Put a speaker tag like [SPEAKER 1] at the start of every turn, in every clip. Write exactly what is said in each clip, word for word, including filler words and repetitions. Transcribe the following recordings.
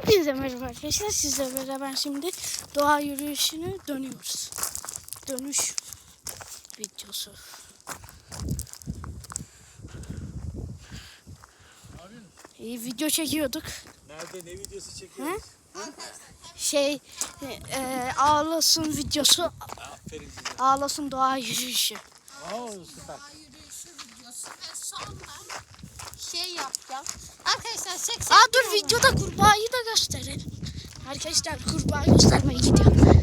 [SPEAKER 1] Hepinize merhaba arkadaşlar. Sizle beraber şimdi doğa yürüyüşünü dönüyoruz. Dönüş videosu. İyi video çekiyorduk.
[SPEAKER 2] Nerede ne videosu çekiyoruz?
[SPEAKER 1] Şey e, Ağlasın videosu.
[SPEAKER 2] Aferin size.
[SPEAKER 1] Ağlasın doğa yürüyüşü.
[SPEAKER 2] Oo süper.
[SPEAKER 3] Doğa yürüyüşü videosu ve sonra şey yapacağım. Arkadaşlar seksen
[SPEAKER 1] Aa dur videoda kurbağayı da gösterelim. Arkadaşlar kurbağa göstermeye gidiyorum.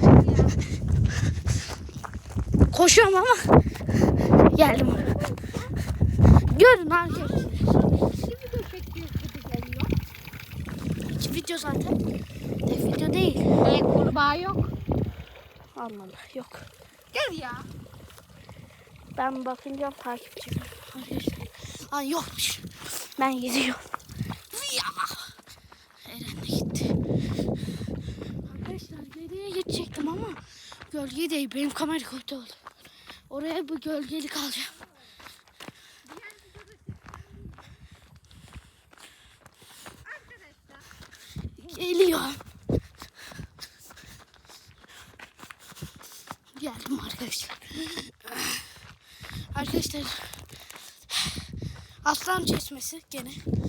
[SPEAKER 1] Koşuyorum ama geldim. Görün arkadaşlar.
[SPEAKER 3] iki video çekiyoruz gibi geliyor.
[SPEAKER 1] İki video zaten. Tek video değil.
[SPEAKER 3] E kurbağa yok.
[SPEAKER 1] Allah Allah yok.
[SPEAKER 3] Gel ya.
[SPEAKER 1] Ben bakınca takipçi var. Arkadaşlar. Aa yokmuş. Ben gidiyorum. Ya. Eren de gitti. Arkadaşlar geriye gidecektim ama gölge değil. Benim kamera kötü oldu. Oraya bu gölgelik alacağım. Geliyorum. Geldim arkadaşlar. Arkadaşlar aslan çeşmesi gene.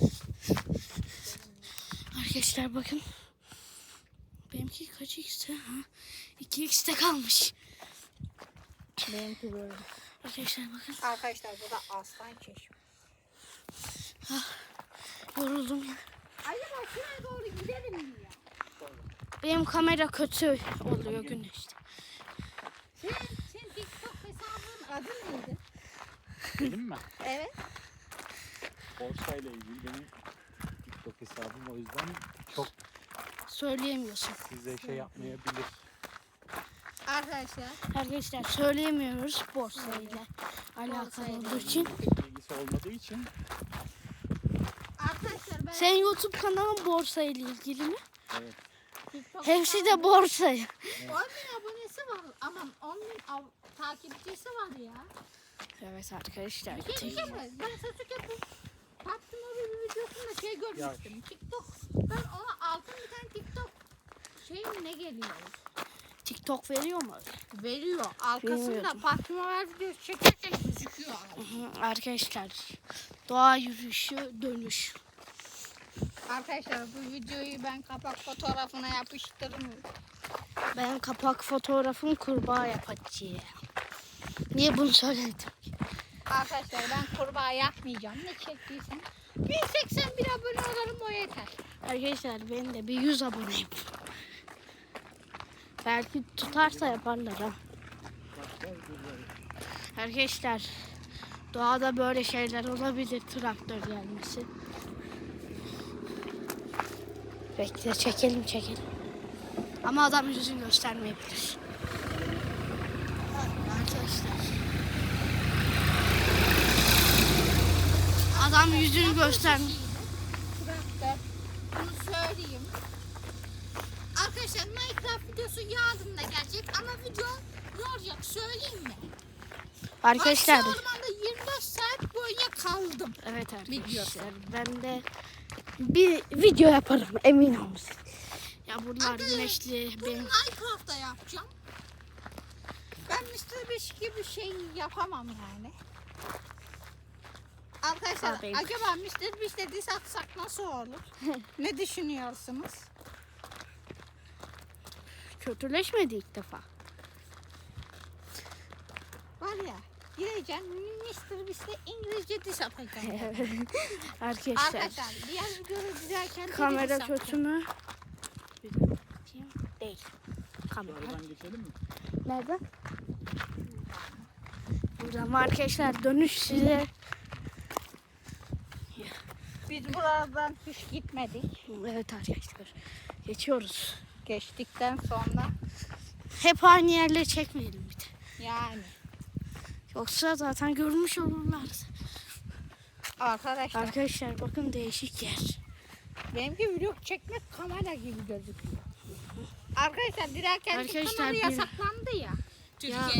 [SPEAKER 1] Arkadaşlar bakın. Benimki kaç x'te? Ha? iki x'te kalmış.
[SPEAKER 3] Benimki böyle.
[SPEAKER 1] Arkadaşlar bakın.
[SPEAKER 3] Arkadaşlar bu da aslan çeşme.
[SPEAKER 1] Yoruldum ya.
[SPEAKER 3] Acaba şuraya doğru gidelim mi ya?
[SPEAKER 1] Benim kamera kötü oluyor güneşte.
[SPEAKER 3] Sen, sen TikTok hesabının adı neydi?
[SPEAKER 2] Benim mi?
[SPEAKER 3] Evet.
[SPEAKER 2] Borsayla ilgili benim TikTok hesabım, o yüzden çok
[SPEAKER 1] Söyleyemiyorsun.
[SPEAKER 2] size şey yapmayabilir.
[SPEAKER 3] Arkadaşlar.
[SPEAKER 1] Arkadaşlar söyleyemiyoruz borsayla alakalı
[SPEAKER 3] Borsayla
[SPEAKER 1] olduğu için.
[SPEAKER 2] Pek bilgisi olmadığı için
[SPEAKER 3] Arkadaşlar ben
[SPEAKER 1] Senin YouTube kanalın borsayla ilgili mi?
[SPEAKER 2] evet.
[SPEAKER 3] TikTok
[SPEAKER 1] Hepsi de borsa.
[SPEAKER 3] on bin abonesi var. Aman on bin av- takipçisi var ya.
[SPEAKER 1] Evet arkadaşlar.
[SPEAKER 3] Bir şey diyeceğim mi? Ben Sasuke'nin Paptın o bir videosunda şey görmüştüm. TikTok. Ben ona altın bir tane TikTok şey mi ne geliyor?
[SPEAKER 1] TikTok veriyor mu?
[SPEAKER 3] Veriyor. Arkasında
[SPEAKER 1] Bilmiyordum.
[SPEAKER 3] Paptın videosu çekerken gözüküyor.
[SPEAKER 1] Hı, arkadaşlar doğa yürüyüşü dönüş.
[SPEAKER 3] Arkadaşlar bu videoyu ben kapak fotoğrafına yapıştırırım.
[SPEAKER 1] Ben kapak fotoğrafım kurbağa yapacağım. Niye bunu söyledim?
[SPEAKER 3] Arkadaşlar ben kurbağa yapmayacağım. Ne çektiysem. bin seksen bir abone olurum o yeter.
[SPEAKER 1] Arkadaşlar ben de bir yüz aboneyim. Belki tutarsa yaparlar ha. Arkadaşlar doğada böyle şeyler olabilir, traktör gelmesi. Bekle çekelim çekelim. Ama adam yüzünü göstermeyebilir. Arkadaşlar. Adam yüzünü göstermiyor.
[SPEAKER 3] Traktör. Bunu söyleyeyim. Arkadaşlar Minecraft videosu yarın da gelecek ama video ne olacak söyleyeyim mi?
[SPEAKER 1] Arkadaşlar.
[SPEAKER 3] Aksi ormanda yirmi dört saat boyunca kaldım.
[SPEAKER 1] Evet arkadaşlar.
[SPEAKER 3] Video.
[SPEAKER 1] Ben de bir video yaparım emin olun. Ya bunlar
[SPEAKER 3] Arkadaşlar,
[SPEAKER 1] güneşli.
[SPEAKER 3] Bunu
[SPEAKER 1] Benim...
[SPEAKER 3] Minecraft'ta yapacağım. Ben mister Beast gibi şey yapamam yani. Arkadaşlar
[SPEAKER 1] Abi.
[SPEAKER 3] acaba mister Beast'e diss atsak nasıl olur? Ne düşünüyorsunuz?
[SPEAKER 1] Kötüleşmedi ilk defa.
[SPEAKER 3] Var ya gireceğim mister Beast'e İngilizce diss atacağım.
[SPEAKER 1] Arkadaşlar.
[SPEAKER 3] Arkadaşlar diğer videoyu izlerken de
[SPEAKER 1] Kamera
[SPEAKER 3] diss
[SPEAKER 1] kötü
[SPEAKER 3] atacağım.
[SPEAKER 1] mü? Bir dakika bakayım. Değil. Kamera.
[SPEAKER 2] Oradan geçelim mi?
[SPEAKER 1] Nerede? Buradan arkadaşlar dönüş size.
[SPEAKER 3] Biz buradan hiç gitmedik.
[SPEAKER 1] Evet arkadaşlar. Geçiyoruz.
[SPEAKER 3] Geçtikten sonra
[SPEAKER 1] Hep aynı yerleri çekmeyelim bir de.
[SPEAKER 3] yani
[SPEAKER 1] Yoksa zaten görmüş olurlar.
[SPEAKER 3] arkadaşlar
[SPEAKER 1] Arkadaşlar bakın değişik yer.
[SPEAKER 3] benimki vlog çekmek kamera gibi gözüküyor. Arkadaşlar dilerken
[SPEAKER 1] Arkadaşlar,
[SPEAKER 3] kamera
[SPEAKER 1] bir-
[SPEAKER 3] yasaklandı ya.
[SPEAKER 1] Ya